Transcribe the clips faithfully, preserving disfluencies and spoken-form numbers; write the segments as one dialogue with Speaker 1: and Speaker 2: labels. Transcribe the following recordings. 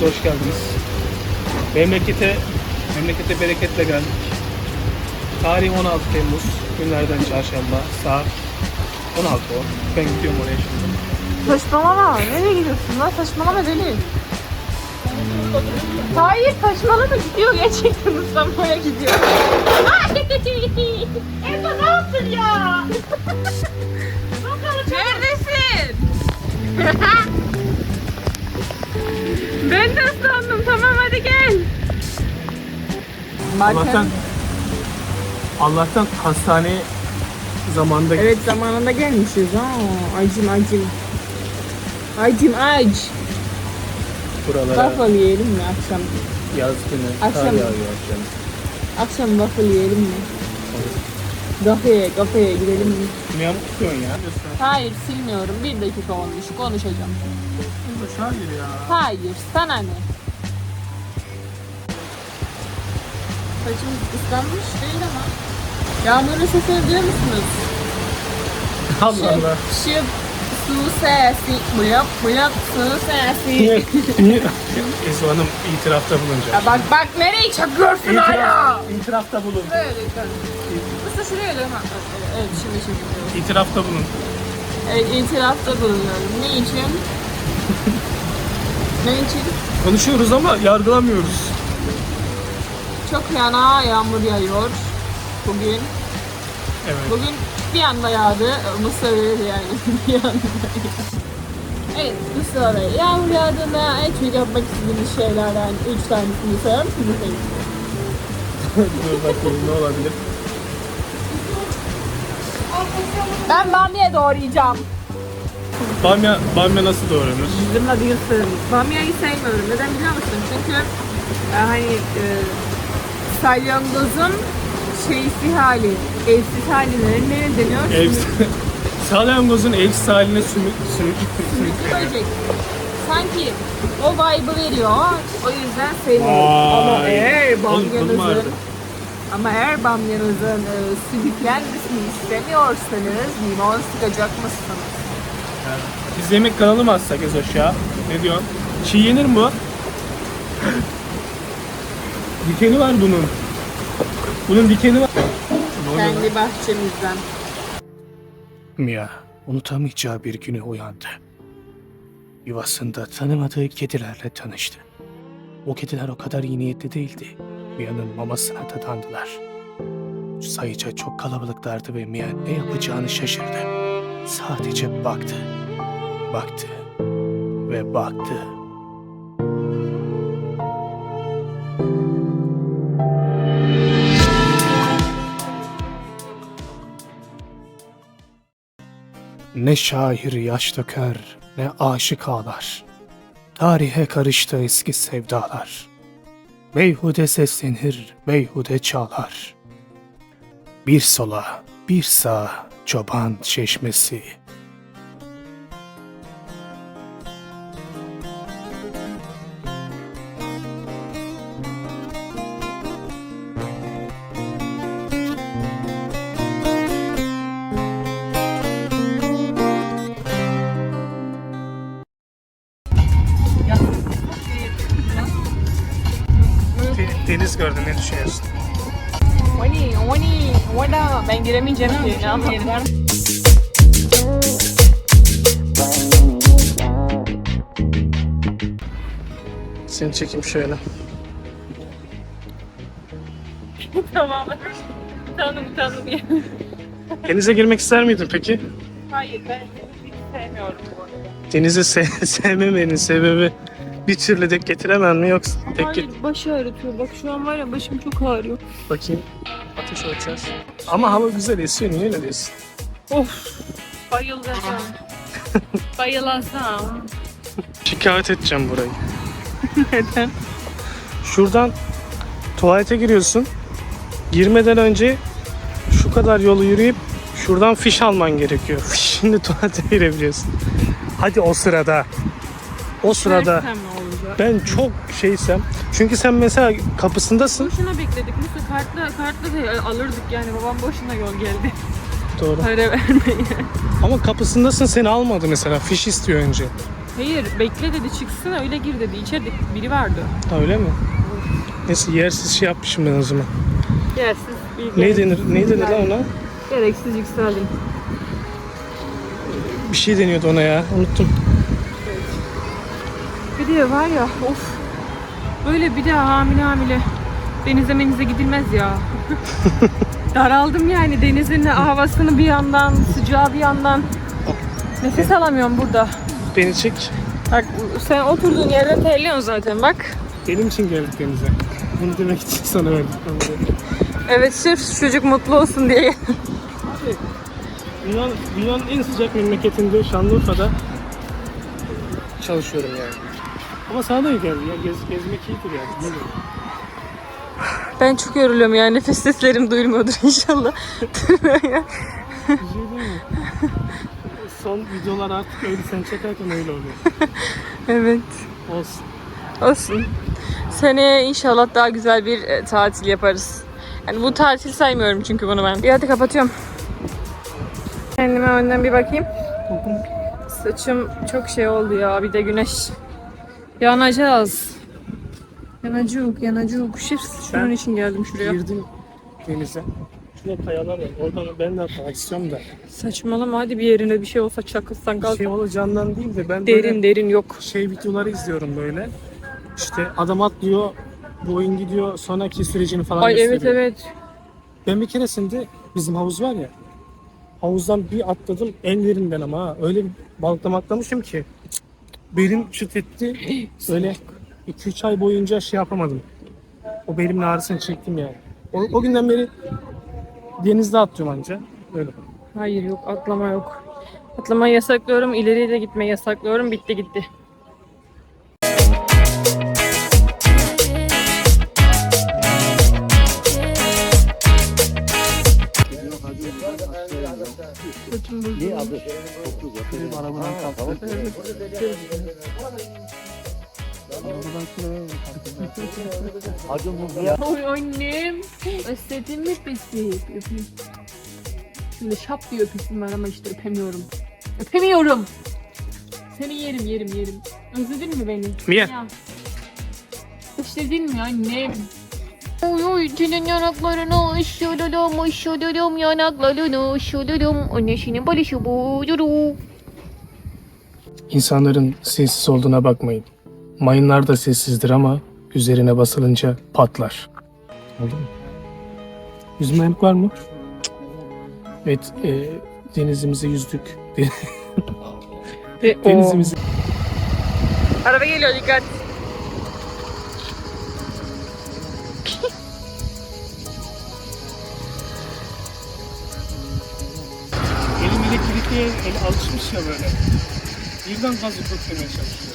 Speaker 1: hoş geldiniz. Memlekete, memlekete bereketle geldik. Tarih on altı Temmuz, günlerden çarşamba, saat on altı on. Ben gidiyorum oraya şimdi.
Speaker 2: Saçmalama, nereye gidiyorsun lan? Saçmalama deli. Hayır, saçmalama, gidiyor gerçekten, ıslanmaya gidiyor. Eba ne yaptın ya? Neredesin? Ben de ıslandım, tamam hadi gel.
Speaker 1: Allah'tan, Allah'tan hastaneye zamanında gittik.
Speaker 2: Evet, zamanında gelmişiz ha. Acım acım. Acım ac.
Speaker 1: Buralara
Speaker 2: Waffle yiyelim mi akşam?
Speaker 1: yaz günü kar
Speaker 2: Akşam.
Speaker 1: yağıyor akşam.
Speaker 2: Akşam waffle yiyelim mi? Kafeye, kafeye gidelim mi?
Speaker 1: Ne yamuk tutuyorsun ya?
Speaker 2: Hayır, silmiyorum. Bir dakika olmuş. Konuşacağım.
Speaker 1: Hayır ya.
Speaker 2: Hayır, sana ne? Saçım ıslanmış değil ama. Yağmurun sesini duyuyor musunuz?
Speaker 1: Allah Allah.
Speaker 2: Şıp, su sesi, bıyak bıyak su sesi.
Speaker 1: Niye? Niye? Esma Hanım itirafta bulunacak.
Speaker 2: Ya bak bak nereyi çakıyorsun hala?
Speaker 1: İtirafta bulun.
Speaker 2: Şuraya lütfen. Usta şuraya lütfen. Ha, evet şimdi şimdi.
Speaker 1: İtirafta bulun.
Speaker 2: Evet, itirafta bulunuyorum. Ne için? Ne için?
Speaker 1: Konuşuyoruz ama yargılamıyoruz.
Speaker 2: Çok yana yağmur yağıyor bugün.
Speaker 1: Evet.
Speaker 2: Bugün bir anda yağdı. Mısır yani bir anda yağdı. Evet, bu sırada yağmur yağdığında en çok yapmak istediğimiz şeylerden üç tanesini sayar mısınız?
Speaker 1: Dur bakayım ne olabilir?
Speaker 2: Ben bamya doğrayacağım.
Speaker 1: Bamya, bamya nasıl doğranır?
Speaker 2: Bizim adıyısın. Bamyayı sevmiyorum. Neden biliyor musun? Çünkü e, hani e, salyangozun şeysi hali, evsiz haline ne deniyor?
Speaker 1: Ev, salyangozun evsiz haline sümük, sümük, sümük.
Speaker 2: Böcek. Sanki o vibe'ı veriyor. O yüzden sevmiyorum.
Speaker 1: Vay.
Speaker 2: Ama eğer
Speaker 1: Oğlum, kolum
Speaker 2: bamyanızın
Speaker 1: ağrıdı.
Speaker 2: ama eğer bamyanızın e, sümüklenmesini istemiyorsanız limon sıkacak mısınız?
Speaker 1: Biz yemek kanalı mı açsak Ezoş ya? Ne diyorsun? Çiğ yenir mi bu? Dikeni var bunun. Bunun dikeni var.
Speaker 2: Kendi bahçemizden.
Speaker 1: Mia unutamayacağı bir güne uyandı. Yuvasında tanımadığı kedilerle tanıştı. O kediler o kadar iyi niyetli değildi. Mia'nın mamasına dadandılar. Sayıca çok kalabalıklardı ve Mia ne yapacağını şaşırdı. Sadece baktı. Baktı. Ve baktı. Ne şair yaş döker, ne aşık ağlar. Tarihe karıştı eski sevdalar. Beyhude seslenir, beyhude çağlar. Bir sola, bir sağa çoban çeşmesi. Deniz gördün, ne düşünüyorsun?
Speaker 2: Oni, oni, orada ben giremeyeceğim ki. Ne yapayım?
Speaker 1: Seni çekeyim şöyle.
Speaker 2: Tamam. Tanım tanım ya.
Speaker 1: Denize girmek ister miydin peki?
Speaker 2: Hayır, ben hiç sevmiyorum bu arada.
Speaker 1: Denizi se- sevmemenin sebebi bir türlü de getiremem mi yoksa tek
Speaker 2: Hayır,
Speaker 1: git.
Speaker 2: başı ağrıtıyor. Bak şu an var ya, başım çok ağrıyor.
Speaker 1: Bakayım. Ateş ölçeceğiz. Ama hava güzel esiyor, niye öyle diyorsun?
Speaker 2: Of, bayılacağım. Bayılasam.
Speaker 1: Şikayet edeceğim burayı.
Speaker 2: Neden?
Speaker 1: Şuradan tuvalete giriyorsun. Girmeden önce şu kadar yolu yürüyüp şuradan fiş alman gerekiyor. Şimdi tuvalete girebiliyorsun. Hadi o sırada. O sırada
Speaker 2: Versem ne olacak?
Speaker 1: ben çok şeysem. Çünkü sen mesela kapısındasın.
Speaker 2: Boşuna bekledik. Musa kartla, kartla da alırdık yani. Babam boşuna yol geldi.
Speaker 1: Doğru.
Speaker 2: Para vermeye.
Speaker 1: Ama kapısındasın, seni almadı mesela. Fiş istiyor önce.
Speaker 2: Hayır, bekle dedi, çıksın öyle gir dedi. İçeride biri vardı.
Speaker 1: Ha, öyle mi? Neyse yersiz şey yapmışım ben o zaman.
Speaker 2: Yersiz bir
Speaker 1: Ne denir? Ne denir lan ona?
Speaker 2: Gereksiz yükseldim.
Speaker 1: Bir şey deniyordu ona ya. Unuttum.
Speaker 2: Bir de var ya, of. Böyle bir daha hamile hamile denize menize gidilmez ya. Daraldım yani, denizin havasını bir yandan, sıcağı bir yandan. Nefes alamıyorum burada.
Speaker 1: Beni çek.
Speaker 2: Bak sen oturduğun yerden terliyorsun zaten bak.
Speaker 1: Benim için geldik denize. Bunu demek için sana verdik.
Speaker 2: Evet, sırf çocuk mutlu olsun diye.
Speaker 1: Abi, Yunan, Yunan'ın en sıcak memleketinde Şanlıurfa'da çalışıyorum yani. Ama sana da iyi geldi ya. Gez, gezmek iyidir yani. Ne diyeyim?
Speaker 2: Ben çok yoruluyorum yani, nefes seslerim duyulmuyordur inşallah.
Speaker 1: Bir şey değil mi? Son videolar artık öyle sen çekerken öyle oluyor.
Speaker 2: Evet.
Speaker 1: Olsun.
Speaker 2: Olsun. Seneye inşallah daha güzel bir e, tatil yaparız. Yani bu tatil saymıyorum çünkü bunu ben. Bir hadi kapatıyorum. Kendime önden bir bakayım. Saçım çok şey oldu ya, bir de güneş. Yanacağız. Yanacık, yanacık. Şif, şunun
Speaker 1: Ben
Speaker 2: için geldim şuraya.
Speaker 1: Girdim denize. Şurada kayalar var. Oradan ben de atlamak istiyorum da.
Speaker 2: Saçmalama, hadi bir yerine bir şey olsa çakılsan
Speaker 1: Bir
Speaker 2: kalk.
Speaker 1: şey olacağından değil de ben
Speaker 2: Derin
Speaker 1: böyle
Speaker 2: derin yok.
Speaker 1: şey videoları izliyorum böyle. İşte adam atlıyor, bu oyun gidiyor, sonraki sürecini falan
Speaker 2: Ay evet
Speaker 1: gösteriyor.
Speaker 2: evet.
Speaker 1: Ben bir keresinde bizim havuz var ya, havuzdan bir atladım en derinden ama ha, öyle bir balıklama atlamışım ki belim çıt etti. Öyle iki üç ay boyunca şey yapamadım. O belimin ağrısını çektim yani. O, o günden beri denizde atlıyorum anca. Öyle.
Speaker 2: Hayır yok, atlama yok. Atlamayı yasaklıyorum, ileriye de gitmeyi yasaklıyorum. Bitti gitti.
Speaker 1: Arabadan kalktı.
Speaker 2: Oy annem. Özledin mi bizi? Öpeyim. Şimdi şap diye öpüsüm var ama işte öpemiyorum. Öpemiyorum. Seni yerim yerim yerim. Özledin mi beni?
Speaker 1: Mia.
Speaker 2: Ya. Özledin mi annem? Oy oy senin yanaklarını ışıladım ışıladım yanaklarını ışıladım. Annesinin balışı buyuru.
Speaker 1: İnsanların sessiz olduğuna bakmayın. Mayınlar da sessizdir ama üzerine basılınca patlar. Oldu mu? Yüzme hemk var mı? Evet, e, denizimize yüzdük.
Speaker 2: Ve
Speaker 1: Denizimizi...
Speaker 2: Araba geliyor, dikkat.
Speaker 1: Elim elektrikliye el alışmış ya böyle. Birden gazı köklemeye çalışıyor.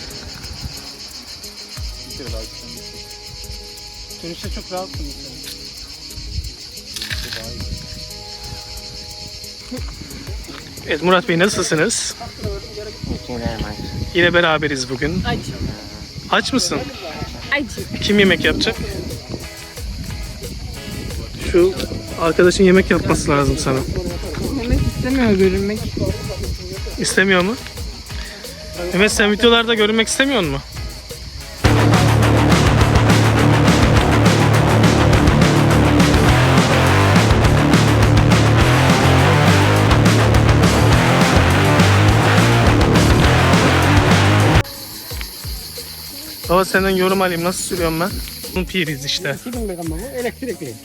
Speaker 1: Dönüşte çok rahatsın mesela. Evet Murat Bey, nasılsınız? Yine beraberiz bugün.
Speaker 2: Aç.
Speaker 1: Aç mısın?
Speaker 2: Aç.
Speaker 1: Kim yemek yapacak? Şu arkadaşın yemek yapması lazım sana.
Speaker 2: Mehmet istemiyor görünmek.
Speaker 1: İstemiyor mu? Evet, sen videolarda görünmek istemiyor mu? Baba senden yorum alayım, nasıl sürüyorum ben? Bunun piriz işte.
Speaker 3: Elektrikli.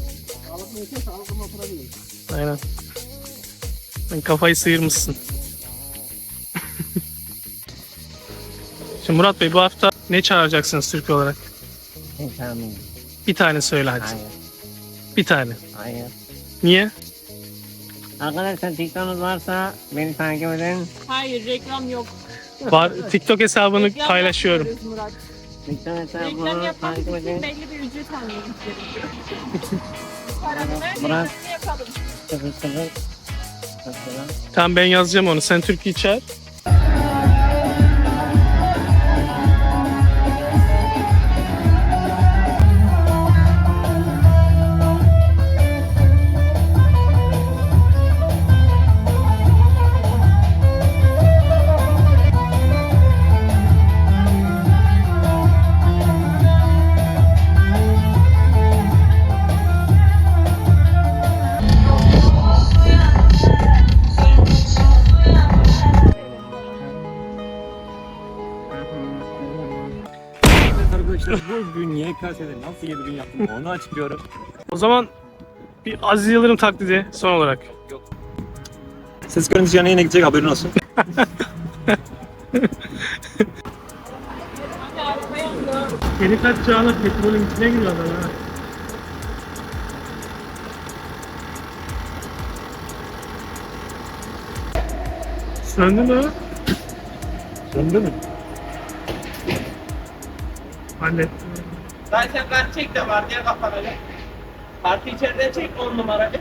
Speaker 1: Aynen. Sen kafayı sıyırmışsın. Şimdi Murat Bey, bu hafta ne çağıracaksınız Türk olarak?
Speaker 3: İnsanım.
Speaker 1: Bir tane söyle hadi.
Speaker 3: Hayır.
Speaker 1: Bir tane.
Speaker 3: Hayır.
Speaker 1: Niye?
Speaker 3: Arkadaşlar TikTok'unuz varsa beni takip edin.
Speaker 2: Hayır, reklam yok.
Speaker 1: Var, TikTok hesabını
Speaker 2: Reklam
Speaker 1: paylaşıyorum.
Speaker 2: yapmıyoruz Murat.
Speaker 3: TikTok
Speaker 2: Reklam
Speaker 3: hesabını
Speaker 2: yapmamız
Speaker 3: takip
Speaker 2: için
Speaker 3: edin.
Speaker 2: belli bir ücret almamız gerekiyor. Paranı ver,
Speaker 3: Murat.
Speaker 2: reklamını yapalım.
Speaker 3: Sıfır sıfır. Sıfır.
Speaker 1: Tamam, ben yazacağım onu. Sen Türkiye'yi çağır.
Speaker 4: İşte bugün Y K S'de nasıl yedi bin yaptım onu açıklıyorum.
Speaker 1: O zaman bir Aziz Yıldırım taklidi son olarak.
Speaker 4: Ses görüntüsü yanına yine gidecek haberin olsun.
Speaker 1: Yeni kaç çağına petrolün içine giriyor adam ha. Söndü mü?
Speaker 4: Söndü mü?
Speaker 1: Hallettim.
Speaker 5: Zaten kart çek de var diye kapanacak. Kartı içeride çek on numaralı.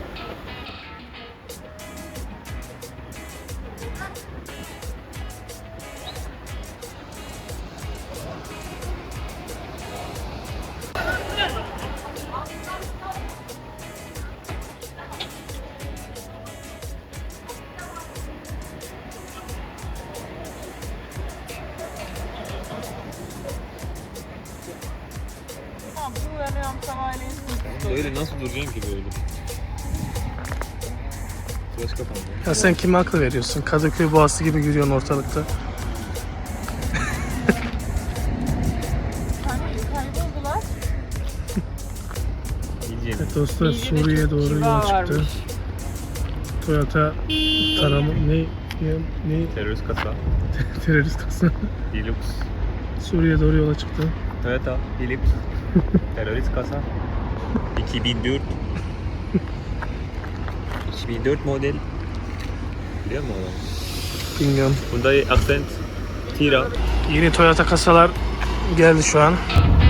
Speaker 4: Böyle nasıl duracaksın ki böyle? Flash kapandı.
Speaker 1: Ya sen kime akıl veriyorsun? Kadıköy Boğazı gibi yürüyorsun ortalıkta.
Speaker 2: Kayboldular.
Speaker 4: İyice.
Speaker 1: Evet dostlar,
Speaker 2: İyice de
Speaker 1: Suriye'ye
Speaker 2: çok
Speaker 1: doğru
Speaker 2: kibar
Speaker 1: yola çıktı.
Speaker 2: varmış.
Speaker 1: Toyota tarama ne ne, ne
Speaker 4: Terörist kasa.
Speaker 1: terörist kasa
Speaker 4: Hilux.
Speaker 1: Suriye'ye doğru yola çıktı.
Speaker 4: Toyota Hilux. Terörist kasa. iki bin dört. iki bin dört model. Biliyor musun adam?
Speaker 1: Bilmiyorum.
Speaker 4: Hyundai Accent. Tira.
Speaker 1: Yeni Toyota kasalar geldi şu an.